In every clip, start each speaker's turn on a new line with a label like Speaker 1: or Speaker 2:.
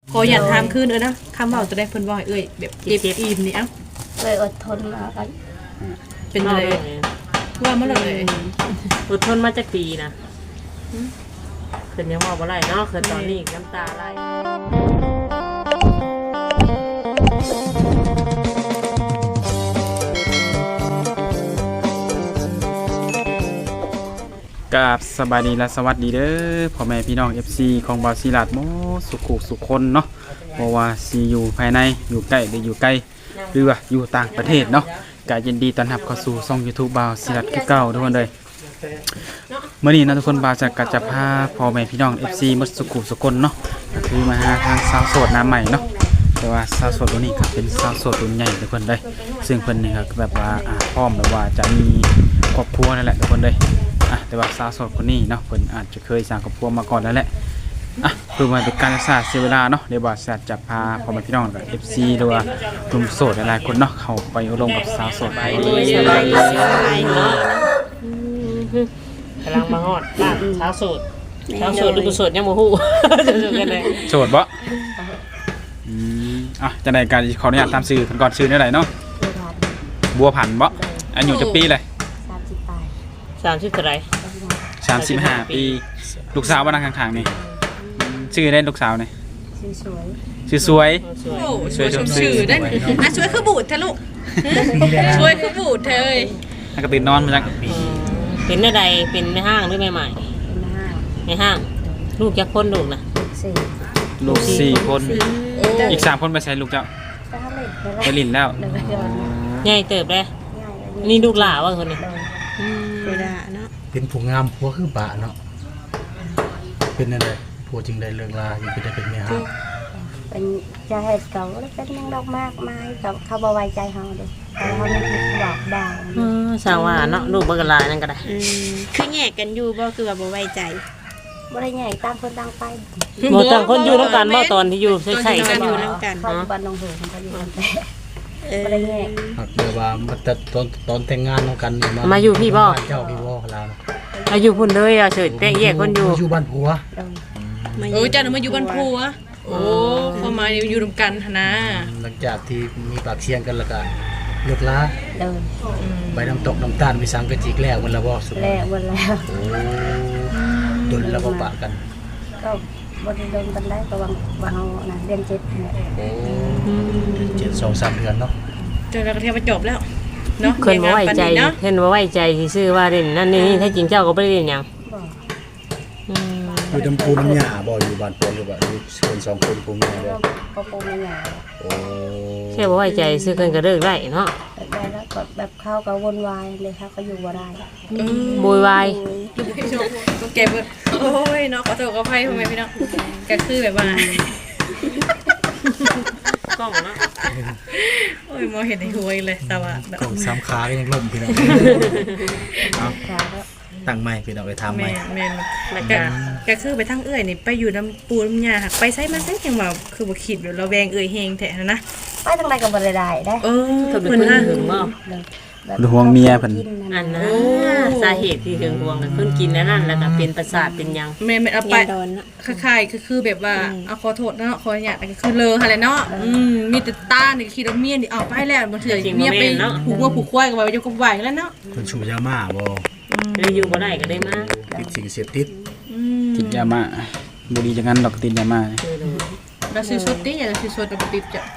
Speaker 1: ขออย่าถามคืนนะคำเว้าจะได้เพิ่นว่าเอ้ยแบบเจ็บอิ่มนี่เอ้า
Speaker 2: เลยอดทนมากัน
Speaker 1: เป็นอะไรว่ามาเลย
Speaker 3: อดทนมาจากปีนะขึ้นยังว่าบ่ไรเนาะขึ้นตอนนี้น้ำตาไหล
Speaker 4: กับสบายดีและสวัสดีเด้อพ่อแม่พี่น้อง FC ของบาวศิลาดโมสุขุสุขคนเนาะบ่ว่าสิอยู่ภายในอยู่ใกล้หรืออยู่ไกลหรือว่าอยู่ต่างประเทศเนาะก็ยินดีต้อนรับเข้าสู่ช่อง YouTube บาวศิลาดคือเก่าทุกคนเลยมื้อนี้นะทุกคนบาวจะพาพ่อแม่พี่น้อง FC หมดสุขุสุขคนเนาะก็คือมาหาทางสาวโสดหน้าใหม่เนาะแต่ว่าสาวโสดตัวนี้ก็เป็นสาวโสดรุ่นใหญ่ทุกคนเลยซึ่งเพิ่นนี่ก็แบบว่าพร้อมแบบว่าจะมีครอบครัวนั่นแหละทุกคนเลยแต่ว่าสาวโสดคนนี้เนาะเพิ่นอาจจะเคยสร้างครอบครัวมาก่อนแล้วแหละเพื่อมาเป็นการศึกษาเสียเวลาเนาะเดี๋ยวบอสจะพาพ่อแม่พี่น้องกับ FC หรือว่ากลุ่มโสดหลายๆคนเนาะเข้าไปอบรมกับสาวโสดไป
Speaker 3: กำลังมาฮอดบ้านเช้าโสดหรือบ่โสดยังบ่ฮู้
Speaker 4: โสดบ่จะได้การขออนุญาตตามชื่อก่อนชื่อได้ไหนเนาะบัวผันบ่อายุจะปีเลย
Speaker 3: 30เท่าไหร่
Speaker 4: 35 ปีลูกสาวบ้านข้างๆนี่ชื่อได้ลูกสาวนี่ชื่อสวย
Speaker 1: สวยชื่อได้สวยคือบูดเถอะลูกสวยคือบูดเถอะเอ้ย
Speaker 4: ก็ตื่นนอนมาจัง
Speaker 3: เป็นใดเป็นในห้างหรือใหม่ๆในห้างลูกจักคนลูกนะ
Speaker 4: ลูก4คนอีก3คนไปใช้ลูกเจ้าไปลินแล้ว
Speaker 3: ใหญ่เติบเลยนี่ลูกหลาว่าคนนี้
Speaker 5: เป็นผู้งามผัวคือบะเนาะเป็นอะไรผัวจึงได้เลิกลาอยู่เป็นได้เป็นเมียฮะ
Speaker 2: เป็นจะเหตุเก่าแล้วเป็นยังดอกมากมายกับเขาบ่ไว้ใจเขาเด้เขาไม่บอกด่า
Speaker 3: สาวว่าเนาะลูกบักลานั่นก็ได้
Speaker 1: คือแยกกันอยู่บ่คือว่าบ่ไว้ใจ
Speaker 2: บ่ได้แยกต่างคนต่างไป
Speaker 3: บ่ต่างคนอยู่นำกันบ่ตอนที่อยู่ใส่
Speaker 1: กันอยู่นำกัน
Speaker 2: เขาบ้านน้องโหเขาก็อยู่กันบ่ได้แยก
Speaker 5: เดี๋ยวว่าตอนแต่งงานนำกัน
Speaker 3: มาอยู่พี่บ่
Speaker 5: เจ้าพี่บ่ลาว
Speaker 3: มาอยู่พุ่นเลยเฉยแต่แยกคน
Speaker 5: อยู่บ้านผัว
Speaker 1: เจ้ามาอยู่บ้านผัวโอ้พอมาอยู่รวมกันนะ
Speaker 5: หลังจากที่มีปากเสียงกันแล้วก็เลิกลาไปน้ำตกน้ำตาลมีสังกะจิกแล้วมันละบ่สุด
Speaker 2: แล้ววันแล้ว
Speaker 5: โดนแล้วบ่ปะกัน
Speaker 2: ก็บ่ได้โดนกันได้ก็วางเฮาน่ะเรียน7เนี่ย
Speaker 5: 7 2 3เดือนเนาะ
Speaker 1: เจอกันเที่ยวไปจบแล้วเนาะ
Speaker 3: คนบ่ไว้ใจเห็นบ่ไว้ใจสิซื้อว่าเล่นนั่นนี่แท้จริงเจ้าก็บ่ได้เล่นหยัง
Speaker 5: อยู่น้ำปูน้ำหญ้าบ่อยู่บ้านผัวหรือว่าอยู่คน2คนผัวเมียบ่
Speaker 2: ก็ปูน้ำหญ้า
Speaker 5: โอ้
Speaker 3: แค่บ่ไว้ใจซื้อกันก็เลิกได้เนาะ
Speaker 2: ได้แล้วก็แบบเขาก็วนวายเลยเขาก็อยู่บ่ได้
Speaker 3: โวยวาย
Speaker 1: ก็เก็บโอ้ยเนาะขอโทษขออภัยพ่อแม่พี่น้องก็คือแบบว่ากล้องเนาะโอ้ยมองเห็นในหัวเลยแต่ว่า
Speaker 5: กล้อง3ขาก็ยังล่มพี่น้องเอาตั้งใหม่พี่น้องไปทำใหม่
Speaker 1: แม่นแล้วก็คือไปทั้งเอื้อยนี่ไปอยู่น้ำปูน้ำยาหักไปไสมาไสจังว่าคือบ่คิดว่าเราแวงเอื้อยแฮงแท้นะ
Speaker 2: ไปทางใดก็บ่ได้ได้
Speaker 3: เพิ่นหึงบ่
Speaker 4: ห่วงเมียเพิ่น
Speaker 3: อันนะสาเหตุที่หึงห่วงก็เพิ่นกินนั่นแล้วก็เป็นประสาทเป็นหยัง
Speaker 1: แม่เอาไปคล้ายๆคือแบบว่าเอาขอโทษเนาะขออนุญาตคือเลอหั่นแหละเนาะมีแต่ตานี่คิดว่าเมียนี่เอาไปแล้วบ่เถื่อเมียไปผูกวัวผูกควายก็ว่าอยู่กับไหวแล้วเนาะ
Speaker 5: คนชูยาม่าบ่
Speaker 3: เลยอยู่บ่ได้ก็ได้มา
Speaker 5: ติดสิ่งเสพติด
Speaker 4: ติดยามาบ่ดีจังนั้นดอกติดยามา
Speaker 1: เราซื้อสดติอย่าซื้อสดกับติดจ้ะ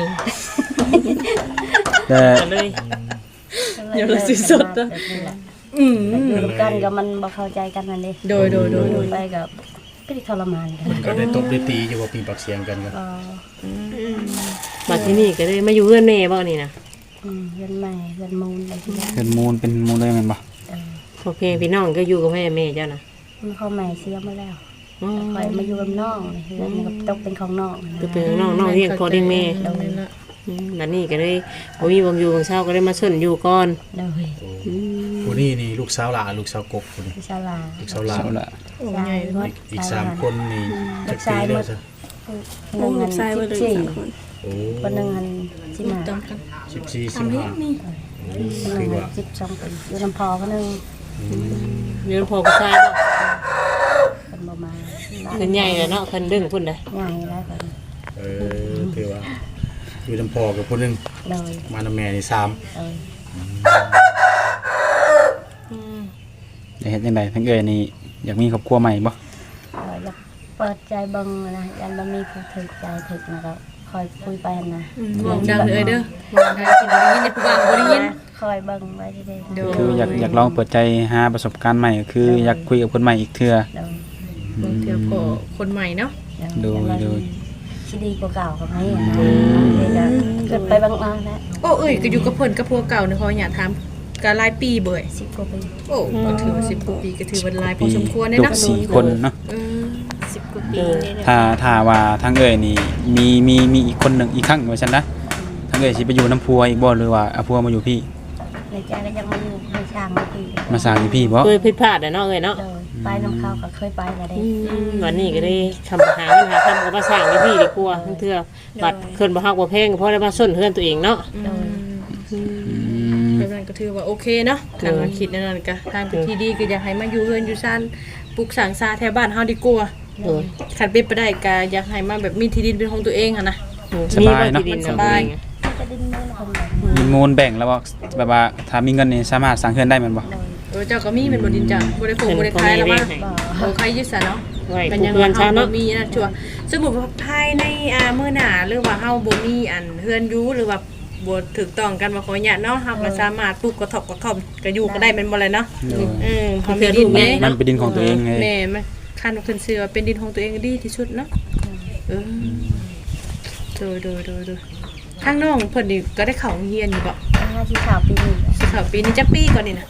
Speaker 4: แต่
Speaker 3: เลย
Speaker 1: เดี๋ยวเราซื้อสดอ่ะ
Speaker 2: กันก็มันบ่เข้าใจกันนั่นเด้
Speaker 1: โดย
Speaker 2: ไปกับก็ทรมานกัน
Speaker 5: ก็ได้ตบได้ตีอยู่ว่าปีปากเสียงกันก็
Speaker 3: มาที่นี่ก็ได้มาอยู่เฮือนแม่บ่นี่นะ
Speaker 2: เฮือนใหม่เฮือนมูลอะไรที่
Speaker 4: เฮือนมูลเป็นมูลได้แม่นบ่
Speaker 3: โอเคพี่น้องก็อยู่กับแม่เจ้านะ
Speaker 2: เขาใหม่เสียมาแล้วคอยมาอยู่กับน้องเฮือนกับตกเป็นของน้อง
Speaker 3: เป็นน้องเลี้ยงพ่อเลี้ยงแม่บัดนี้ก็เลยบ่มีบ่อยู่ของเช้าก็ได้มาชนอยู่ก่อน
Speaker 5: ผู้นี้นี่ลูกสาวหลาลูกสาวกกผู้นี้
Speaker 2: ลูกสาวหลา
Speaker 1: โอ้ใหญ่
Speaker 5: อีก3คนนี่จักปีแล้วซะ
Speaker 2: ลูกชายเบิดเลย3คนคนนึงอันสิมา
Speaker 5: 14 15
Speaker 2: นี่คือว่า12ปีอยู่ลำพอคนนึง
Speaker 3: อยู่ลำพอก็ใช่ป่ะ
Speaker 2: คนบ่มา
Speaker 3: เพิ่นใหญ่แล้วเนาะเพิ่นดึงพุ่นได้
Speaker 2: ใหญ่แล้วเพิ่น
Speaker 5: อยู่น้ำพ่อกับคนหนึง
Speaker 2: โดย
Speaker 5: มาน้ำแม่นี่3
Speaker 2: โดย
Speaker 4: ได้เฮ็ดจังไดทั้งเอ้ยนี่อยากมีครอบครัวใหม่บ่
Speaker 2: อยากเปิดใจเบิ่งนะยันบ่มีผู้ถึกใจถึกนะก็คอยคุยไปนะ
Speaker 1: มองดังเลยเด้อมองดังสิบ่ได้ยินในผู้บ่าวบ่ได้ยิน
Speaker 2: คอยเบิ่งไว้ที่ได้
Speaker 1: โดย
Speaker 4: คืออยากลองเปิดใจหาประสบการณ์ใหม่ก็คืออยากคุยกับคนใหม่อีกเทื่อ
Speaker 2: โดย
Speaker 1: บางเทื่อพอคนใหม่เนาะ
Speaker 4: โดย
Speaker 2: สิดีกว่าเก่ากับนี้นะเกิดไปบางมาแล้ว
Speaker 1: โอ้เอ้ยก็อยู่กับเพิ่นกับผัวเก่าเนี่ยขออยากถามก็หลายปีเบ่ย
Speaker 2: 10กว่าปี
Speaker 1: โอ้ก็ถือว่า10กว่าปีก็ถือว่าหลายพอสมควรเด้
Speaker 4: ลูก
Speaker 1: เนาะ
Speaker 4: 4คนเนาะ
Speaker 1: เออ
Speaker 2: 10กว่าปีนี่
Speaker 4: ถ้าว่าทางเอ้ยนี่มีอีกคนหนึงอีกครั้งว่าซั่นนะทางเอ้ยสิไปอยู่น้ำพัวอีกบ่หรือว่าเอาพัวมาอยู่พี่
Speaker 2: ในใจก็ยังมาอยู่ในช่างเมื่อกี้
Speaker 4: มาสร้างอยู่พี่บ่
Speaker 3: เคยผิดพลาดเนาะเอ้ยเนาะ
Speaker 2: โดยไปน้ำข้าวก็เคยไปแล้วได้
Speaker 3: วันนี้ก็ได้คำหาเงินหาคำก็มาสร้างให้พี่ดีกว่าทั้งเทื่อบัดเพิ่นบ่ฮักบ่แพงก็พอได้มาส้นเฮือนตัวเองเนาะ
Speaker 2: โดย
Speaker 1: แบบนั้นก็ถือว่าโอเคเนาะทางมาคิดนั่นนะก็ทางเป็นที่ดีก็อยากให้มาอยู่เฮือนอยู่ซ่านปลูกสร้างซาแถวบ้านเฮาดีกว่า
Speaker 3: โดย
Speaker 1: คันเป็นไปได้ก็อยากให้มาแบบมีที่ดินเป็นของตัวเองหั่นนะ
Speaker 4: สบายเนาะ
Speaker 3: มีบ่ที่ดิ
Speaker 1: สบาย
Speaker 2: จะดินมือคนแบบ
Speaker 4: มีมูลแบ่งแล้วบ่แบบว่าถ้ามีเงินนี่สามารถสร้างเฮือนได้แม่นบ่
Speaker 2: โดย
Speaker 1: เจ้าก็มีเป็นบ่ดินจ้ะบ่ได้ปลูกบ่ได้ขายแล้วมา
Speaker 2: บ่
Speaker 1: โอ้ใครยึดซะเนาะ
Speaker 3: ไว้
Speaker 1: เป็น
Speaker 3: ผู้
Speaker 1: ยัง
Speaker 3: เพื่อน
Speaker 1: เฮา
Speaker 3: ซะ
Speaker 1: บ่
Speaker 3: เนาะ
Speaker 1: มีนะชัวร์สมมุติว่าภายในมื้อหน้าหรือว่าเฮาบ่มีอันเฮือนอยู่หรือว่าบ่ถูกต้องกันว่าขออนุญาตเนาะเฮาก็สามารถปลูกกระท่อมก็อยู่ก็ได้แม่นบ่เลยเนาะพอมีดินแม่
Speaker 4: มันเป็นดินของตัวเองไง
Speaker 1: แม่มันคันขึ้นชื่อว่าเป็นดินของตัวเองดีที่สุดเนาะดูทางน้องเพิ่นนี่ก็ได้เข้าโรงเรียนอยู่บ่
Speaker 2: 5ที่ข่าวปีนี้
Speaker 1: สิเข้าปีนี้จักปีก่อนนี่นะ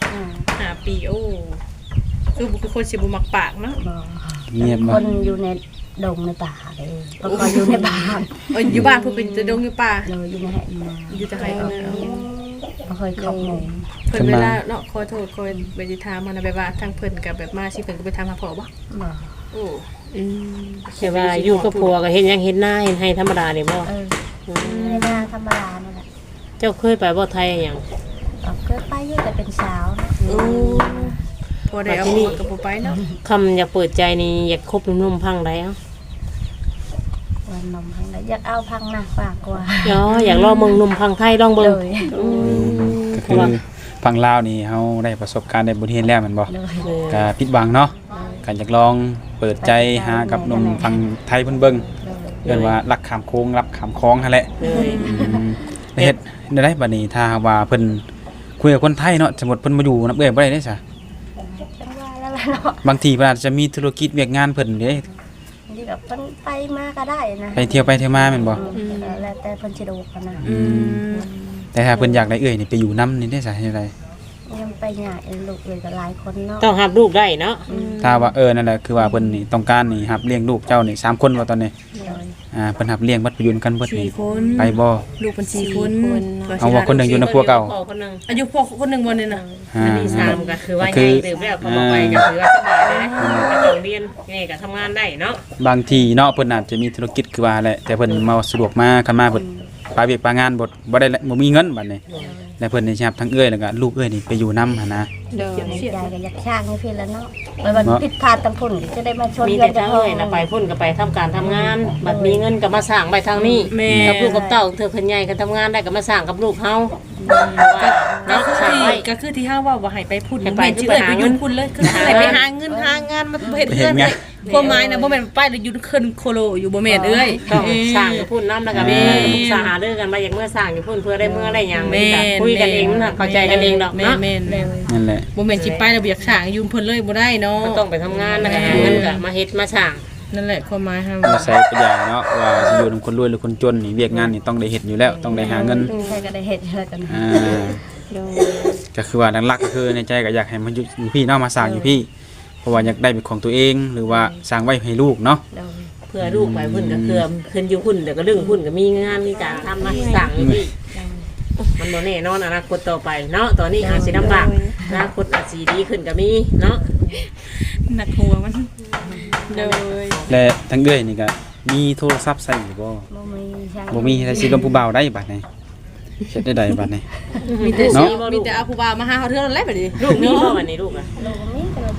Speaker 1: 5 ปีโอ้คือบุคคลสิบ่มักปากเนาะ
Speaker 2: บ่
Speaker 4: เงียบบ่
Speaker 2: คนอยู่ในดงในป่าเลยก็คอยอยู่ในบ้าน
Speaker 1: อยู่บ้านเพิ่นเป็นจะดงอยู่ป่า
Speaker 2: เราอยู่ในแห่งนา
Speaker 1: อยู่แต่ไห้เพิ่นน่ะ
Speaker 2: บ่เคยเข้าหมู่
Speaker 1: เพิ่นเวลาเนาะขอโทษขอไปสิถามมันนะแบบว่าทางเพิ่นก็แบบมาสิเพิ่นก็ไปถามหาพ่อบ่
Speaker 2: บ่
Speaker 1: โอ้
Speaker 3: แต่ว่าอยู่กับผัวก็เฮ็ดหยังเฮ็ดหน้าเฮ็ดให้ธรรมดานี่บ่
Speaker 2: ในนาธรรมดานั่นแหละ
Speaker 3: เจ้าเคยไปบ่ไทยหยัง
Speaker 2: เคยไปอยู่แต่เป็นสาว
Speaker 1: โอ้พอได้เอาหัวกับบ่ไปเนาะ
Speaker 3: คำอยากเปิดใจนี่อยากคบหนุ่มๆพังได้เอ้า
Speaker 2: วันนมพังได้อยากเอาพังหนักปากกว่า
Speaker 3: อยากลองเบิ่งหนุ่มพังไทยลอง
Speaker 2: เล
Speaker 3: เบิ่ง
Speaker 2: ย
Speaker 4: ก็คือฟังลาวนี่เฮาได้ประสบการณ์ได้บทเรียนแล้วแม่นบ่
Speaker 2: เลย
Speaker 4: ก็ผิดหวังเนาะก็อยากลองเปิดใจหากับหนุ่มฟังไทยเพิ่นเบิ่งเรียกว่ารักขามโค้งรับขามคล้องนั่นแหละ
Speaker 3: เลย
Speaker 4: เฮ็ดได้บัดนี้ถ้าว่าเพิ่นคุยกับคนไทยเนาะสมมุติเพิ่นมาอยู่นำเอ้ยบ่ได้เด้ซะ
Speaker 2: จังว่าแล้วล่ะเนาะ
Speaker 4: บางทีเพิ่นอาจจะมีธุรกิจเวียกงานเพิ่นเด้
Speaker 2: ที่แบบเพิ่นไปมาก็ได้นะ
Speaker 4: ไปเที่ยวไปเที่ยวมาแม่นบ่
Speaker 2: แล้วแต่เพิ่นสิดูกันนะ
Speaker 4: แต่ถ้าเพิ่นอยากได้เอ้ยนี่ไปอยู่นำนี่ได้ซะเฮ็ดได้
Speaker 2: ยังไปหยาลูกเลยก็หลายคนเนาะ
Speaker 3: ต้องรับลูกได้เนาะ
Speaker 4: ถ้าว่านั่นแหละคือว่าเพิ่นนี่ต้องการนี่รับเลี้ยงลูกเจ้านี่3คนว่าตอนนี้
Speaker 2: เลย
Speaker 4: เพิ่นรับเลี้ยงบัดไปอยู่กันเบิดนี่
Speaker 1: 4 คน
Speaker 4: ไปบ่
Speaker 1: ลูกเป็น4 คน
Speaker 4: เอาว่าคนหนึงอยู่ในครัวเก่า
Speaker 3: คนนึง
Speaker 1: อายุพ่อคนหนึงบ่นี่น่ะ
Speaker 3: อันนี้3ก็คือว่าใหญ่ตื่นแล้วเขาบอกไปก็ถือว่าสบายเลยก็ต้องเรียนนี่ก็ทำงานได้เนาะ
Speaker 4: บางทีเนาะเพิ่นอาจจะมีธุรกิจคือว่าแหละแต่เพิ่นมาสะดวกมาคันมาเพิ่นไปเวียกไปงานบ่ได้บ่มีเงินบัดนี้แล้วเพิ่นนี่สิรับทั้งเอ้ยแล้วก็ลูกเอ้ยนี่ไปอยู่นำหั่นนะ
Speaker 2: ในใจก็อยากช่างให้เพิ่นแล้วเนาะไปวันผิดพลาดตำพุ่นจะได้มาชน
Speaker 3: มี
Speaker 2: กั
Speaker 3: แต่
Speaker 2: น
Speaker 3: ทางเลยนะไปพุ่นก็ไปทำการทำงาน บัดมีเงินก็มาสร้างไปทางนี้กับลูกกับเต้าเธอคนใหญ่ก็ทำงานได้ก็มาสร้างกับลูกเฮา
Speaker 1: ก็
Speaker 3: เนาะ
Speaker 1: คือ
Speaker 3: สร้าง
Speaker 1: ที่
Speaker 3: ไว้
Speaker 1: ก็คือที่เฮาว่าบ่ให้ไปพูด
Speaker 3: ให้ไป
Speaker 1: แม่นสิเอ้ยไปอยู่พุ่นเลยคือให้ไปหาเงินหางานมาเฮ็ดเพื่อนเลยความหมายนะบ่แม่นไปแล้วอยู่ขึ้นโคโลอยู่บ่แม่นเอ้ย
Speaker 3: ต้องสร้างอยู่พุ่นน้ำแล้วก็มีปรึกษาหารือกันมาอย่างเมื่อสร้างอยู่พุ่นเพื่อได้เมื่อได้อย่างนี้คุยกันเองมันเข้าใจกันเองดอกเนาะ
Speaker 1: แม่น
Speaker 4: นั่นแหละ
Speaker 1: บ่แม่นสิไปแล้วบ่อยากสร้างอยู่เพิ่นเลยบ่ได้เนาะ
Speaker 3: ก็ต้องไปทำงานแล้วก็หาเงินก็มาเฮ็ดมาสร้าง
Speaker 1: นั่นแหละความหมายเฮา
Speaker 4: ใส่ปัญญาเนาะว่าสิอยู่นำคนรวยหรือคนจนนี่เวียกงานนี่ต้องได้เฮ็ดอยู่แล้วต้องได้หาเงิน
Speaker 2: ใครก็ได้เฮ็ดแล้วกัน
Speaker 4: ก็คือว่าหลักๆก็คือในใจก็อยากให้มันอยู่พี่เนาะมาสร้างอยู่พี่ เพราะว่าอยากได้เป็นของตัวเองหรือว่าสร้างไว้ให้ลูกเนาะ
Speaker 3: เพื่อลูกไปพุ่นก็คือขึ้นอยู่พุ่นเดี๋ยวก็เรื่องพุ่นก็มีงานมีการทำมาสร้างอยู่พี่มันบ่แน่นอนอนาคตต่อไปเนาะตอนนี้อาจสิลำบากอนาคตอาจสิดีขึ้นก็มีเนาะ
Speaker 1: หนักหัวมันโดย
Speaker 4: และทั้งเอ้ยนี่ก็มีโทรศัพท์ใส่อยู่บ่
Speaker 2: บ่มีใช่
Speaker 4: บ่มีแต่สิลมผู้บ่าวได้บัดนี้เฮ็ดได้ใดบัดนี้
Speaker 1: มีแต่
Speaker 4: เนาะ
Speaker 1: มีแต่เอาผู้บ่าวมาหาเฮาเทื่อนั้นแหละบัดนี้
Speaker 3: ลูกมีบ่วันนี้ลูกอ่ะ
Speaker 2: ลูกมีแต่โท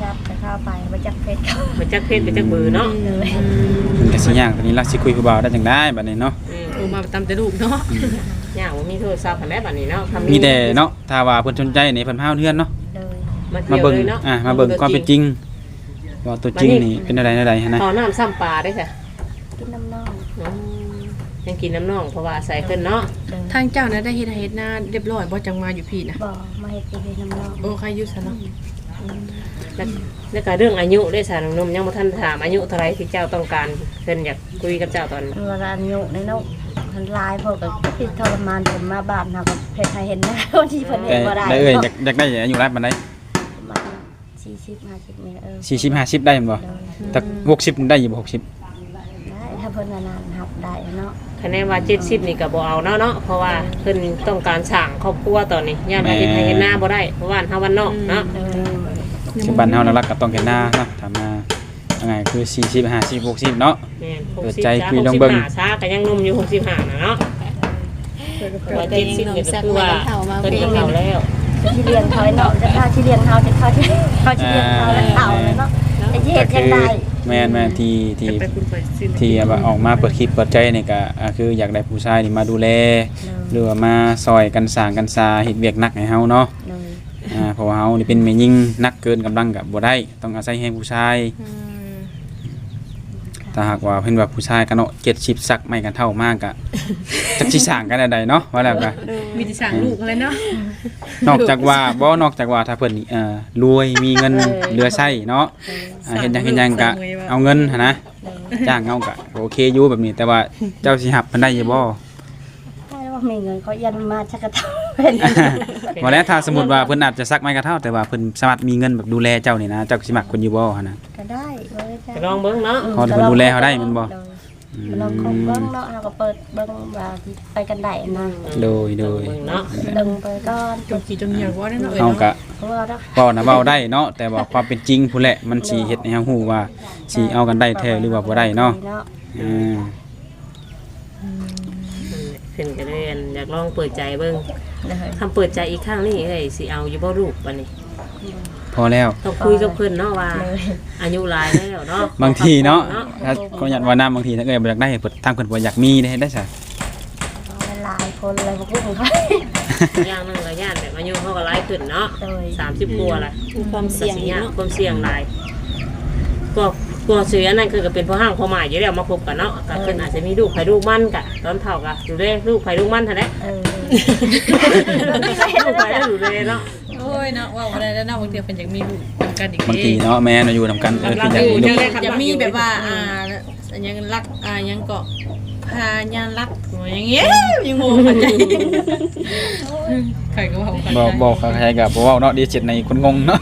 Speaker 2: ศัพท์จะเข้าไปบ่จักเฟซเขา
Speaker 3: ไปจักเพศไปจักเบอร์เนาะ
Speaker 2: เลย
Speaker 4: มันก็สิยากตอนนี้ล่ะสิคุยกับบ่าวได้จังได้บัดนี้เนาะ
Speaker 1: โทรมาตามแต่ลูกเนาะ
Speaker 3: ย่างบ่มีโทรศัพท์คันได้บัดนี้เนาะทำ
Speaker 4: มีแต่เนาะถ้าว่าเพิ่นสนใจนี่เพิ่นพาเฮือนเนาะ
Speaker 2: เลย
Speaker 3: มา
Speaker 4: มา
Speaker 3: เที่ยว
Speaker 4: เบิ่ง
Speaker 3: เลยเนาะ
Speaker 4: มาเบิ่งความเป็นจริงว่าตัวจริงนี่เป็นอะไรหั่นนะ
Speaker 3: ขอน้ำซ้ำปลาได้ค่ะ
Speaker 2: กินน้ำนอง
Speaker 3: ยังกินน้ำน่องเพราะว่าใส่ขึ้นเนาะ
Speaker 2: เลย
Speaker 1: ทางเจ้านะได้เฮ็ดให้เฮ็ดหน้าเรียบร้อยบ่จังมาอยู่พี่นะ
Speaker 2: บ่มาเฮ็ดกินน้ำนอง
Speaker 1: โอ้ใครอยู่ซะเนาะ
Speaker 3: แล้วก็เรื่องอายุได้สารนมยังบ่ทันถามอายุเท่าไรที่เจ้าต้องการเพิ่นอยากคุยกับเจ้าตอนนี้
Speaker 2: เวลาอายุในนกมันลายพวกก็คิดทรมานผมมาบ้านเฮาก็เฮ็ดให้เห็นหน้าวันที่เพิ่นเห็
Speaker 4: แต่
Speaker 2: นบ่ได้
Speaker 4: ได้อยากได้อายุหลายปานใด
Speaker 2: ประมาณ40-50นี่
Speaker 4: 40 50ได้แม่นบ่แต่60ได้อยู่บ่60
Speaker 2: ได้ถ้าเพิ่นนานๆรับได้เนาะ
Speaker 3: คะแนนว่า70นี่ก็บ่เอาเนาะเพราะว่าเพิ่นต้องการสร้างครอบครัวตอนนี้ย่านว่าเฮ็ดให้เห็นหน้าบ่ได้เพราะว่าเฮาวันนอกเนาะ
Speaker 4: คือบ้านเฮาหลักๆก็ต้องเห็นหน้าเนาะถ้ามายังไงคือ40 50 60เนาะ
Speaker 3: แม่น
Speaker 4: เปิดใจคุยลองเบิ่ง
Speaker 3: 65ช้าก็ยังหนุ่มอยู่65น่ะเนาะว่า70นี่ก็คือว่าเพิ่นก็เฒ่าแล้ว
Speaker 2: ที่เลี้ยงเขาเนาะจะถ้าที่เลี้ยงเขาจะเขาที่เลี้ยงเขาแล้วเต่าเลยเนาะจะเฮ็
Speaker 4: ก็
Speaker 2: ดจั
Speaker 4: คื
Speaker 2: ง
Speaker 4: อ
Speaker 2: ได๋
Speaker 4: แม่นๆที่
Speaker 1: ไปคุณไปซื้อ
Speaker 4: ที่ว่าออกมาเปิดคลิปเปิดใจนี่ก็คืออยากได้ผู้ชายนี่มาดูแลหรือว่ามาซอยกันสร้างกันซาเฮ็ดเวียกหนักให้เฮาเนาะ
Speaker 2: เลย
Speaker 4: เพราะว่าเฮานี่เป็นแม่หญิงหนักเกินกำลังก็บ่ได้ต้องอาศัยแรงผู้ชายถ้าหากว่าเพิ่นว่าผู้ชายกันเนาะ70สักไม่กันเท่ามากก็จักสิสร้างกันได้เนาะว่าแล้วก็
Speaker 1: มีแต่สั่งลูกอะไรเนาะ
Speaker 4: นอกจากว่าถ้าเพิ่นนี่รวยมีเงินเหลือใช้เนาะเฮ็ดหยังก็เอาเงินหั่นนะจ้างเอาก็โอเคอยู่แบบนี้ แต่ว่าเจ้าสิรับมันได้อยู่บ่
Speaker 2: ถ้าว่ามีเงินเขายันมาชักกระเทาเป็น
Speaker 4: บ่แล้วถ้าสมมุติว่าเพิ่นอาจจะซักไม้กระเท่าแต่ว่าเพิ่นสามารถมีเงินแบบดูแลเจ้านี่นะเจ้าสิมักเพิ่นอยู่บ่หั่นน่ะ
Speaker 2: ก็ได้เลยจ้ะ
Speaker 3: ก็ลองเบิ่งเนาะ
Speaker 4: เขาจะดูแลเขาได้แม่นบ่
Speaker 2: ลองคบเบิ่งเนาะเราก็เปิดเบิ่งว่าไปกันได้นะ
Speaker 4: โดย
Speaker 3: เบิ่งเนาะ
Speaker 2: ดึงไปก่อน
Speaker 1: จงกี่จงเหยียบว่าเนาะ
Speaker 4: เฮาก็
Speaker 2: เพราะว่าเรา
Speaker 4: เว้านะเว้าได้เนาะแต่ว่าความเป็นจริงพู้นแหละมันสิเฮ็ดให้เฮาฮู้ว่าสิเอากันได้แท้หรือว่าบ่ได้เนาะอืม
Speaker 3: เพิ่นก็เลยอยากลองเปิดใจเบิ่ง
Speaker 2: เลย
Speaker 3: คำเปิดใจอีกครั้งนี่เอ้ยสิเอาอยู่บ่ลูกบัดนี้
Speaker 4: พอแล้ว
Speaker 3: ต้องคุยกับเพิ่นเนาะว่าอายุหลายแล้วเนาะ
Speaker 4: บางทีเนาะถ้าก็อยากว่าน้ำบางทีถ้าเกิดบ่อยากได้เพิ่นทางเพิ่นบ่อยากมีได้ซะ
Speaker 2: หลายคนเลยพวกมึงเขา
Speaker 3: อย่างหนึงก็ย่านแบบอายุเฮาก็หลายขึ้นเนาะ
Speaker 2: เลย
Speaker 3: 30กว่าละ
Speaker 6: ความเสี่ยง
Speaker 3: ก็
Speaker 6: เนาะ
Speaker 3: ความเสี่ยงหลายก็เสียนั่นคือก็เป็นพ่อห้างพ่อหมายอยู่แล้วมาคบกันเนาะก็เพิ่นอาจจะมีลูกไผลูกมันกะตอนเฒ่าก็ดูแลลูกไผลูกมันเท่านั้น ลูกไผได้ดูแลเนาะ
Speaker 1: โอ้ยเนาะว่าอะไรแล้วเนาะบางทีเป็นอยากมีลูกนำกันอีก
Speaker 4: บางทีเนาะแม่อยู่นำกันคืออยากมีลูก
Speaker 1: อยากมีแบบว่ายังรักยังเกาะพายันรักอย่างเงี้ยยังงงเข้าใจใครก็ว่าเข้าใจ
Speaker 4: บอกใครก็บ่เว้าเนาะดีเจ็ดในคนงงเนาะ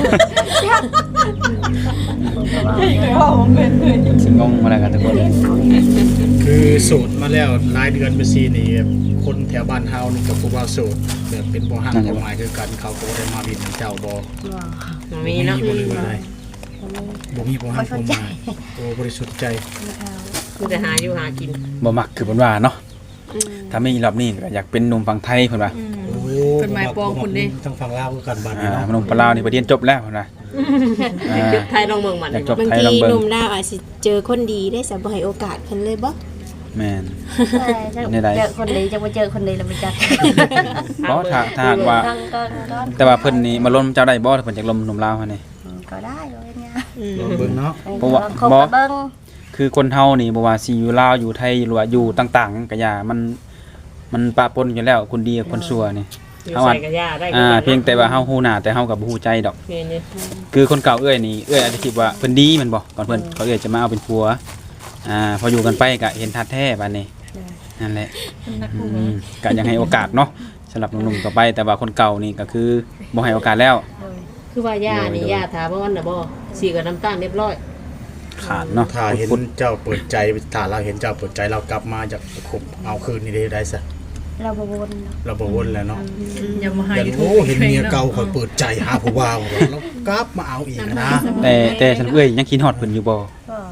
Speaker 4: สิงงมาแล้วกันทุกคนเลย
Speaker 5: คือโสดมาแล้วหลายเดือนไปซีนี่คนแถวบ้านเฮานี่ก็ผู้ว่าโสดแบบเป็นบ่ฮักบ่หมายคือกันเขาก็บ่ได้มาบินเจ้าบ่
Speaker 3: มันมีเนาะ
Speaker 5: บ่เลยว่าได้บ่มีบ่ฮักบ่หมายโอ้บริสุทธิ์ใจ
Speaker 3: คือจะหาอยู่หากิน
Speaker 4: บ่มักคือเพิ่นว่าเนาะถ้ามีรอบนี้ก็อยากเป็นหนุ่มฝั่งไทยเพิ่นว่า
Speaker 5: โอ้
Speaker 1: เป็นหมายปองคุณดิ
Speaker 5: ทั้งฝั่งลาวคือกันบ้านนี้เนาะ
Speaker 4: หนุ่มปลาวนี่ไปเรียนจบแล้วเพิ่นว่า
Speaker 3: ไทยลองเมืองมัน
Speaker 4: อยากจบ
Speaker 6: บาง
Speaker 4: ไทย
Speaker 6: ที
Speaker 4: ลองเบิ่
Speaker 6: ห
Speaker 4: ง
Speaker 6: นุ่มดาวอาจสิเจอคนดีได้สับ่ให้โอกาสเพิ่นเลยบ่
Speaker 4: แม่น
Speaker 2: เจอคนดีจะมาเจอคนดีแล้วไปจัด
Speaker 4: เพราะถ้าหากว่า แต่ว่าเพิ่นนี่มาล้มเจ้าได้บ่ถ้าเพิ่นอยากล้มหนุ่มลาวหั่นนี่
Speaker 2: ก็ได้เลยเนี่ย
Speaker 5: ลองเบิ่งเนาะ
Speaker 4: เพราะว่า
Speaker 2: คบกับเบิ้ง
Speaker 4: คือคนเฮานี่บ่ว่าสิอยู่ลาวอยู่ไทยหรือว่าอยู่ต่างๆก็อย่ามันปะปนอยู่แล้วคนดีกับคนชั่วนี่
Speaker 3: อยู่ใส่กระยาได้
Speaker 4: เพียงแต่ว่าเฮาฮู้หน้าแต่เฮาก็บ่ฮู้ใจดอก
Speaker 3: นี่
Speaker 4: คือคนเก่าเอ้ยนี่เอ้ยอาจจะคิดว่าเพิ่นดีแม่นบ่ก่อนเพิ่นเขาเอ้ยจะมาเอาเป็นผัวพออยู่กันไปก็เห็นทัดแท้บัดนี้นั่นแหละก็ยังให้โอกาสเนาะสำหรับหนุ่มๆต่อไปแต่ว่าคนเก่านี่ก็คือบ่ให้โอกาสแล้ว
Speaker 3: คือว่าย่านี่ย่าถามว่าวันน่ะบ่สีกับน้ำตาลเรียบร้อย
Speaker 4: ขาดเนาะ
Speaker 5: ถ้าเห็นเจ้าเปิดใจถ้าเราเห็นเจ้าเปิดใจเรากลับมาจากคบเอาคืนนี่ได้ซะ
Speaker 2: เราบวน
Speaker 5: เราบ่วนแล้วเนาะ
Speaker 1: อย่ามาหา
Speaker 5: อย่า
Speaker 1: อยู่
Speaker 5: โอ้เห็นเมียเก่าคอยเปิดใจหาผู้บ่าวแล้วกลับมาเอาอีกนะ
Speaker 4: แต่สำหรับเอ้ยยังคิดฮอดเพิ่นอยู่บ่
Speaker 2: ก็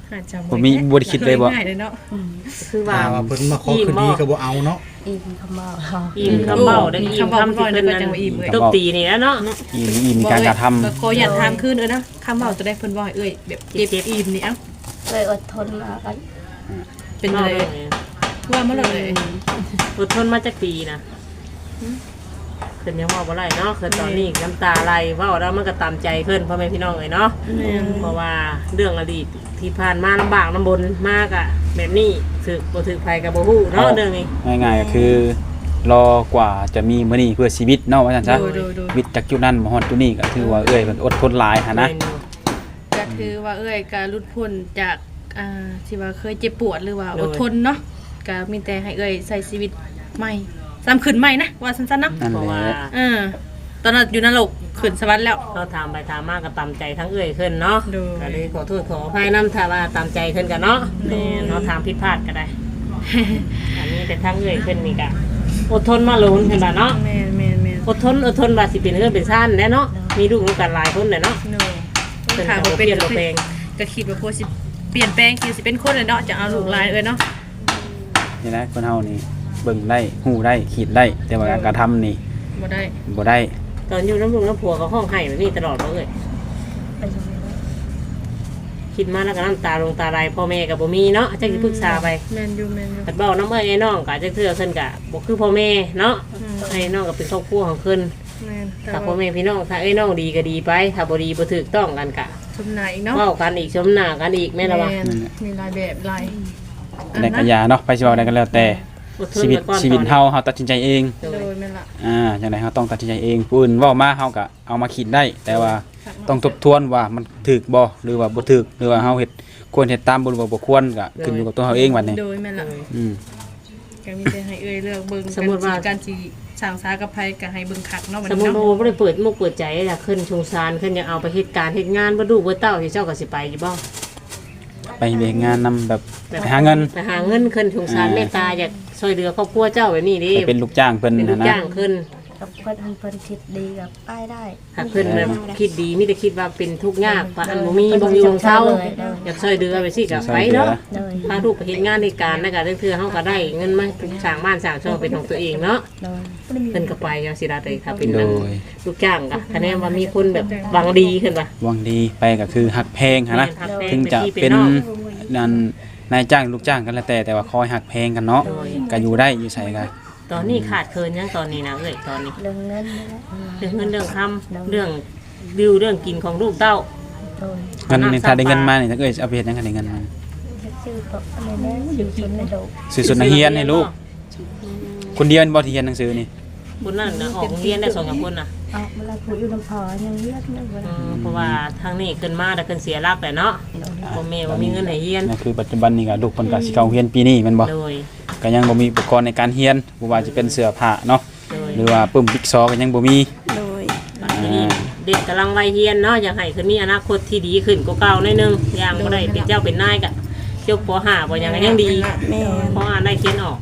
Speaker 1: อาจจะ
Speaker 4: บ่มีบ่ได้คิดเลยบ่
Speaker 1: ง่ายเลยเนาะ
Speaker 3: คือว่า
Speaker 5: ว่าเพิ่นมาขอคืนดีก็บ่เอาเนาะ
Speaker 2: อิ่มคำเมา
Speaker 3: อิ่มคำเบ้าได้อิ่มคำที่เพิ่นนั้นตบตีนี่แหล้วเนาะ
Speaker 4: อิ่มการกระทำ
Speaker 1: ก็ขออยากถามคืนนะคำเว้าจะได้เพิ่นว่าให้เอ้ยแบบเจ็บอิ่มนี่เอ้า
Speaker 2: เลยอดทนมากัน
Speaker 1: เป็นอะไรว่ามาเลย
Speaker 3: อดทนมาจากปีนะขึ้นยังว่าบ่ไรเนาะคือตอนนี้น้ำตาไหลเว่าแล้วมันก็ตามใจเพิ่นพ่อแม่พี่น้องเลยเนาะเพราะว่าเรื่องอดีตที่ผ่านมาลำบากลำบนมากอะแบบนี้ถือบ่ถือภัยกับบ่ฮู้เนาะเรื่องนี้
Speaker 4: ง่ายๆก็คือรอกว่าจะมีมื้อนี้เพื่อชีวิตเนาะว่าซั่นซะวิตจากจุดนั้นมาฮอดจุดนี้ก็ถือว่าเอ้ยเพิ่นอดทนหลายหันนะ
Speaker 1: ก็คือว่าเอ้ยการหลุดพ้นจากที่ว่าเคยเจ็บปวดหรือว่าอดทนเนาะก็มีแต่ให้เอ้ยใส่ชีวิตใหม่ซ้ำขึ้นใหม่นะว่าสั้นๆเนาะ
Speaker 4: นั่น
Speaker 3: เพราะ
Speaker 4: แห
Speaker 3: ว่า
Speaker 4: ละ
Speaker 1: ตอนนั้นอยู่นรกขึ้นสวรรค์แล้ว
Speaker 3: เราถามไปถามมากก็ตามใจทั้งเอ้ยขึ้นเนาะ
Speaker 1: ดู
Speaker 3: ก็เลยขอโทษขออภัยน้ำถ้าว่าตามใจขึ้นกันเนาะเราถามผิดพลาดก็ได้ อันนี้แต่ทั้งเอ้ยขึ้นนี่ก็อดทนมาลุ้นเห็นป่ะเนาะ
Speaker 1: แม่น
Speaker 3: อดทนว่าสิเป็นเรื่องเป็นซ่านแน่เนาะมีลูกด้วยกันหลายคนเลยเนาะ
Speaker 1: โน
Speaker 3: เป็น
Speaker 1: ถาม
Speaker 3: บ่
Speaker 1: ว่า
Speaker 3: เป
Speaker 1: เป็น
Speaker 3: ลี่ยนบ่แปลง
Speaker 1: ก็คิดว่าโคสิเปลี่ยนแปลงคิดสิเป็นคนเลยเนาะจะเอาลูกหลายเนาะ
Speaker 4: นี่นะคนเฮานี่เบิ่งได้ฮู้ได้คิดได้ แต่ว่าการกระทำนี่
Speaker 1: บ่ได้
Speaker 4: บ่ได้
Speaker 3: ตอนอยู่น้ำลูกน้ำผัวก็ห้องไห้แบบนี้ตลอดเลย
Speaker 2: ไปยังไงวะ
Speaker 3: คิดมาแล้วก็น้ำตาลงตาไหลพ่อแม่กับบ่มีเนาะจักสิปรึกษาไป
Speaker 1: แม่นอยู่
Speaker 3: กัดเบ้าน้ำเอ้ยไอ้น้องกะจักเทื่อขึ้นกะบ่คือพ่อแม่เนาะไอ้น้องก็เป็นครอบครัวของขึ้น
Speaker 1: แม่น
Speaker 3: ถ้าพ่อแม่พี่น้องถ้าไอ้น้องดีก็ดีไปถ้าบ่ดีบ่ถูกต้องกันกะ
Speaker 1: ชมหน้าอีกเนาะ
Speaker 3: เว้ากันอีกชมหน้ากันอีกแม่นละวะ
Speaker 1: มีหลายแบบหลาย
Speaker 4: ในกัญญาเนาะไปสิเว้าได้ก็แล้วแต่
Speaker 3: อดทน
Speaker 4: ชีวิต
Speaker 3: ไก่อน
Speaker 4: ชีวิต
Speaker 3: ตอนนี้
Speaker 4: เฮาตัดสินใจเอง
Speaker 3: โด
Speaker 1: โด
Speaker 3: ย
Speaker 1: ยแม่นละ
Speaker 4: จังได๋เฮาต้องตัดสินใจเองผู้อื่นเว้ามาเฮาก็เอามาคิดได้ แต่ว่าต้องทบทวนว่ามันถูกบ่หรือว่าบ่ถูกหรือว่าเฮาเฮ็ดควรเฮ็ดตามบ่หรือว่าบ่ควรก็ขึ้นอยู่กับตัวเฮาเองบัดนี้
Speaker 1: โดยแม่นละ
Speaker 4: อืม
Speaker 1: ก็มีแต่ให้เอ้ยเลือกเบิ่งการสิสร้างสากับไผก็ให้เบิ่งคักเนาะบัด
Speaker 3: สม
Speaker 1: นี้
Speaker 3: มุติ
Speaker 1: เนาะ
Speaker 3: ว่าบ่ได้เปิดมุกเปิดใจล่ะขึ้นชงซานขึ้นยังเอาไปเฮ็ดการเฮ็ดงานบ่ดูบ่เต้าที่เจ้าก็สิไปอยู่บ่
Speaker 4: ไปเฮ็ดงานนำแบบไปหาเงิน
Speaker 3: ไปหาเงินขึ้นชงซานเมตตาอยากช่วยเหลือครอบครัวเจ้าแบบนี้ดิ
Speaker 4: ไปเป็นลูกจ้างเพิ่น
Speaker 3: เป็นลู
Speaker 4: นะ
Speaker 3: ก
Speaker 4: นะ
Speaker 3: จ้างขึ้น
Speaker 2: กับเพิ่นคิดดีกับป้ายได้
Speaker 3: หากขึ้นแบบคิดดีมีแต่คิดว่าเป็นทุกข์ยากว่าอันบ่มีบ่มีวงเช้าอยากช่วยเหลือไปสิกับไปเนาะ
Speaker 2: เลย
Speaker 3: พาลูกไปเฮ็ดงานในการแล้วก็เทื่อเฮาก็ได้เงินมาสร้างบ้านสร้างช่องเป็นของตัวเองเนาะ
Speaker 2: เลย
Speaker 3: เพิ่นก็ไปจังซี่ล่ะเด้ค่ะเป็น
Speaker 4: โด
Speaker 3: นั่น
Speaker 4: ย
Speaker 3: ลูกจ้างก็คะแนนว่ามีคนแบบหวังดีขึ้นป่ะ
Speaker 4: หวังดีไปก็คือหักแพงหันนะ
Speaker 3: หักแพง
Speaker 4: ถึงจะ
Speaker 3: เป็นพี่เป็
Speaker 4: เป็น
Speaker 3: นน้อง
Speaker 4: นั่นนายจ้างลูกจ้างกันแล้วแต่ว่าคอยหักแพงกันเนาะ
Speaker 3: โดย
Speaker 4: ก็อยู่ได้อยู่ใส่กัน
Speaker 3: ตอนนี้ขาดเคินยังตอนนี้นะเอ้ยตอนนี้
Speaker 2: เรื่องเงินนี่แหละ
Speaker 3: เรื่องเงินเรื่องคำเรื่องดิวเรื่องกินของลูกเต้า
Speaker 2: โดย
Speaker 4: เงินนี่ถ้าได้เงินมานี่ถ้าเกิดเอาไปเฮ็ดหยังกันได้เงินมา
Speaker 2: ชื่อตัวอะไรนะชื่อคนในโดก
Speaker 4: ซื้อสุดนักเรียนให้ลูกคนเดียวบ่ที่เรียนหนังสือนี่
Speaker 3: บุญนั่นนะออกโรงเรียนได้2-3คนนะ
Speaker 2: ออกมาแล้วผู้อยู่ลำพอยังเลือดไม่เวลา
Speaker 3: เพราะว่าทางนี้ขึ้นมาแต่ขึ้นเสียรักแต่เนาะพ่อแม่ว่ามีเงินให้เรียน
Speaker 4: นั่นคือปัจจุบันนี่ก็ลูกเพิ่นก็สิเข้าเรียนปีนี้แม่นบ่
Speaker 3: โดย
Speaker 4: ก็ยังบ่มีอุปกรณ์ในการเรียนบ่ว่าจะเป็นเสื้อผ้าเนาะ
Speaker 3: โดย
Speaker 4: หรือว่าปึ้มบิ๊กซอก็ยังบ่มี
Speaker 6: โดย
Speaker 3: บัดนี้เด็กกำลังวัยเรียนเนาะอยากให้ขึ้นมีอนาคตที่ดีขึ้นกว่าเก่าหน่อยนึงอย่างบ่ได้เป็นเจ้าเป็นนายก็จบป .5 บ่ยังก็ยังดี
Speaker 6: แม่
Speaker 3: เพราะอ่านได้เขียนออก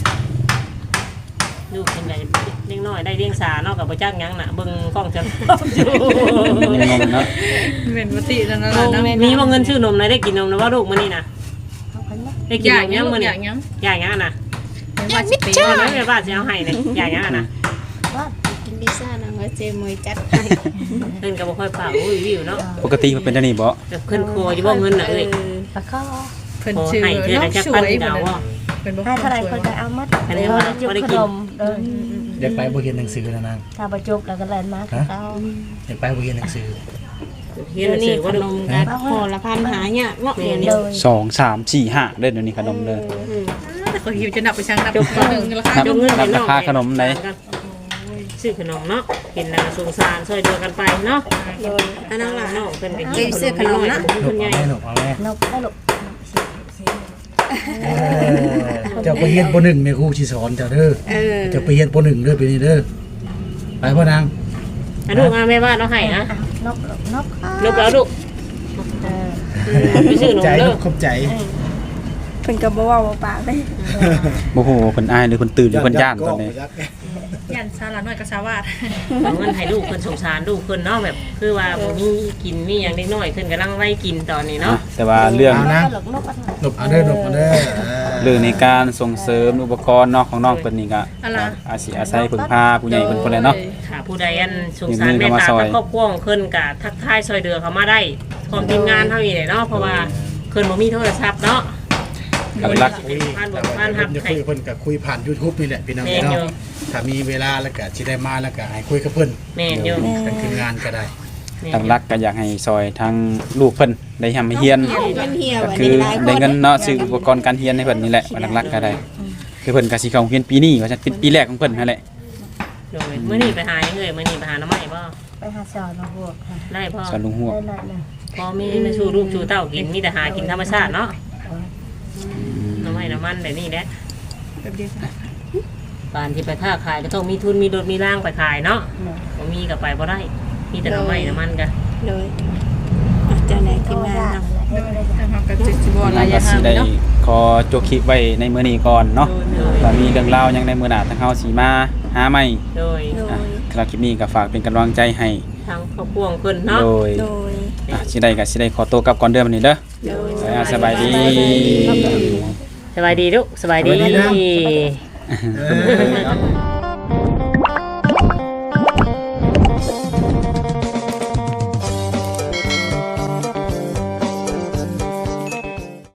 Speaker 3: ลูกเป็นไงเลี้ยงน้อยได้เลี้ยงสาเนาะกับบ่จักหยังน่ะเบิ่งกล้องจังอยู่
Speaker 4: ยังงงเนาะ
Speaker 1: แม่นบ่ตินั่นน่ะเนาะ
Speaker 3: มีบ่เงินซื้อนมเลยได้กินนมนะว่าลูกมื้อนี้น่ะ
Speaker 2: เขาคนละ
Speaker 3: ได้กิน
Speaker 1: อน ยาก
Speaker 3: ม
Speaker 1: ยั
Speaker 3: ยัง ง
Speaker 1: บ่
Speaker 3: มื้อ
Speaker 1: อ
Speaker 3: นี้
Speaker 1: ยากยัง
Speaker 3: อยากหยังอะน่ะ
Speaker 1: ว่าสิไป
Speaker 3: ว่าแล้วแม่บ้านสิเอาให้เลยอยากหยังอะน่ะ
Speaker 2: ว่า
Speaker 6: กินพิซซ่านะว่าเจมวยจัดให้
Speaker 3: เพิ่นก็บ่ค่อยฝากอุ้ยวิวเนาะ
Speaker 4: ปกติมันเป็นจังนี้บ่
Speaker 3: แบบเพิ่นคออยู่บ่เงินน่ะเอ้ย
Speaker 2: ปลาข้อ
Speaker 1: เพิ่น
Speaker 3: ขอ
Speaker 1: ชื่อ
Speaker 3: ให้เทื่อ
Speaker 1: เนาะ
Speaker 3: ละจัก
Speaker 1: ส
Speaker 3: พั
Speaker 1: วน ย
Speaker 3: ดาวบ่
Speaker 1: เพิ่นบ่
Speaker 2: ให้เท่าไรคนก็เอามัด
Speaker 3: อันนี้ว่า
Speaker 2: จุก
Speaker 3: บ่ได้
Speaker 2: ข
Speaker 3: กิน
Speaker 2: นมเออ
Speaker 5: อยากไปบ่เรียนหนังสือนะนาง
Speaker 2: ถ้าประจุแล้วก็แลนมาเขา
Speaker 5: อยากไปบ่เรียนหนังสือ
Speaker 3: เฮียน
Speaker 6: เดี๋ยว
Speaker 3: หนัง
Speaker 6: นี้
Speaker 3: สือ
Speaker 6: ข
Speaker 3: ว่าน ลูก
Speaker 6: มกันพอละพันหาเนี่ยเนาะเดี๋ยวนี้
Speaker 2: เลย
Speaker 4: 2 3 4 5เด้อเดี๋ยวนี้ขนมเด้อ
Speaker 1: แต่เขาหิวจะนับไปช่างนับตัวนึงราคา
Speaker 3: จงเงินไปน้อง
Speaker 4: ราคาขนมไหน
Speaker 3: ซื้อขนมเนาะเห็นน่ะสงสารช่วยเหลือกันไปเนาะ
Speaker 6: โดยอันนั้นล่ะ
Speaker 3: น้องเพิ่นก็
Speaker 6: เอ้ยซื้อขนมนะ
Speaker 5: หนุ
Speaker 3: คุ
Speaker 5: ก
Speaker 3: ณใหญ่
Speaker 5: เอาแม่หนุกเอาแม่
Speaker 2: นกได้ลูก
Speaker 5: เจ้าไปเรียนป .1 แม่ครูสิสอนเจ้าเด้อ
Speaker 6: เออ
Speaker 5: เจ้าไปเรียนป .1 เด้อปีนี้เด้อไปพ่อนาง
Speaker 3: อ่ะลูกเอาแม่บ้านเอาให้นะ
Speaker 2: นกนก
Speaker 3: ลูกแล้วลูก
Speaker 2: เออ
Speaker 3: ไปซื้อขนม
Speaker 5: ใจ
Speaker 3: เด้
Speaker 5: ลู
Speaker 3: อก
Speaker 5: ขอบใจ
Speaker 6: เพิ่นก็บ่เว้าบ่ปากเลย
Speaker 4: บ่ฮู้ว่าเพิ่นอายหรือเพิ่นตื่นหรือเพิ่นย่านตอนนี้
Speaker 5: ยักษ์
Speaker 1: ยันซาลาน้อยกับสาวาด
Speaker 3: เอาเงินให้ลูกเพิ่นสงสารลูกเพิ่นเนาะแบบคือว่าบ่มีกินมีหยังเล็กน้อยเพิ่นกำลังไว้กินตอนนี้เนาะ
Speaker 4: แต่ว่าเรื่อง
Speaker 5: เอานะ
Speaker 2: หลกนกอันนั้น
Speaker 5: หลบเอาเด้อหลบเอาเด้อ
Speaker 4: เรื่องในการส่งเสริมอุปกรณ์เนาะของน้องเพิ่นนี่ก็
Speaker 1: อะไร
Speaker 4: อาศัยพึ่งพาผู้ใหญ่เพิ่นคนแหละเนาะ
Speaker 3: ค่ะผู้ใดอันสงสารเมตตากับครอบครัวของเพิ่นก็ทักทายซอยเดือเขามาได้พร้อมทีมงานเฮานี่แหละเนาะเพราะว่าเพิ่นบ่มีโทรศัพท์เนาะ
Speaker 4: หลัก
Speaker 3: บ้านบอกบ้าน
Speaker 5: ผ
Speaker 3: ฮับ
Speaker 5: มจะ
Speaker 3: ให้
Speaker 5: คุยกับเพิ่นก็คุยผ่าน YouTube นี่แหละพี่น้อง
Speaker 3: แม่นอยู่
Speaker 5: เนาะถ้ามีเวลาแล้วก็สิได้มาแล้วก็ให้คุยกับเพิ่น
Speaker 3: แม่นอยู่
Speaker 5: เป็นทีมงานก็ได้
Speaker 4: หลักๆก็อยากให้ซอยทั้งลูกเพิ่นได้ทำให้เฮียน
Speaker 6: มันเหี่ยว
Speaker 4: ก็
Speaker 6: อัน
Speaker 4: คื
Speaker 6: นี้
Speaker 4: อ
Speaker 6: หลายค
Speaker 4: ได้
Speaker 6: น
Speaker 4: เงินเนาะซื้ออุปกรณ์การเรียนให้เพิ่นนี่แหละว่าหลักๆก็ได้คือเพิ่นก็สิเข้าโรงเรียนปีนี้ว่าจะเป็นปีแรกของเพิ่นนั่นแหละ
Speaker 3: โดยมื้อนี้ไปหายังเอ่ยมื้อนี้ไปหาน้ำใหม่บ่
Speaker 2: ไปหาสอนมาบวกค่ะ
Speaker 3: ได้พ่อ
Speaker 4: สอนลุงหัว
Speaker 2: ได้หน่อยหนึง
Speaker 3: พอมีมาสู่ลูกสู่เต้ากินมีแต่หากินธรรมชาติเนาะน้ำใหม่น้ำมันแบบนี้แหละ
Speaker 1: แบบเดียวกัน
Speaker 3: บ้านที่ไปค้าขายก็ต้องมีทุนมีรถมีร่างไปขายเนาะบ่มีก็ไปบ่ได้มีแต่น้ำใหม่น้ำมันก็
Speaker 6: โดยอ่ะเจ้าไหนทีมงาน
Speaker 1: โดยทางเฮาก็สิบ่
Speaker 4: แล้
Speaker 1: ระ
Speaker 4: วก็
Speaker 1: ยะ
Speaker 4: สิ
Speaker 1: ห่าง
Speaker 4: ได้
Speaker 1: เนาะ
Speaker 4: ขอจบคลิปไว้ในมื้อนี้ก่อนเนาะว่ามีเรื่องราวหยังในมื้อหน้าทางเฮาสิมาหาใหม่
Speaker 3: โดย
Speaker 6: โด
Speaker 4: อ่ะ
Speaker 6: ย
Speaker 4: สำหรับคลิปนี้ก็ฝากเป็นกำลังใจให้
Speaker 3: ทางครอบครัวของเพิ่นเนาะ
Speaker 4: โดย
Speaker 6: โดย
Speaker 4: สิได้ก็สิได้ขอตัวกลับก่อนเด้อมื้อนี้เด้อ
Speaker 6: โดย
Speaker 4: สบายดี
Speaker 3: สบายดีลูกสบายดี
Speaker 5: สบายดีนะ
Speaker 3: ดี
Speaker 5: เออ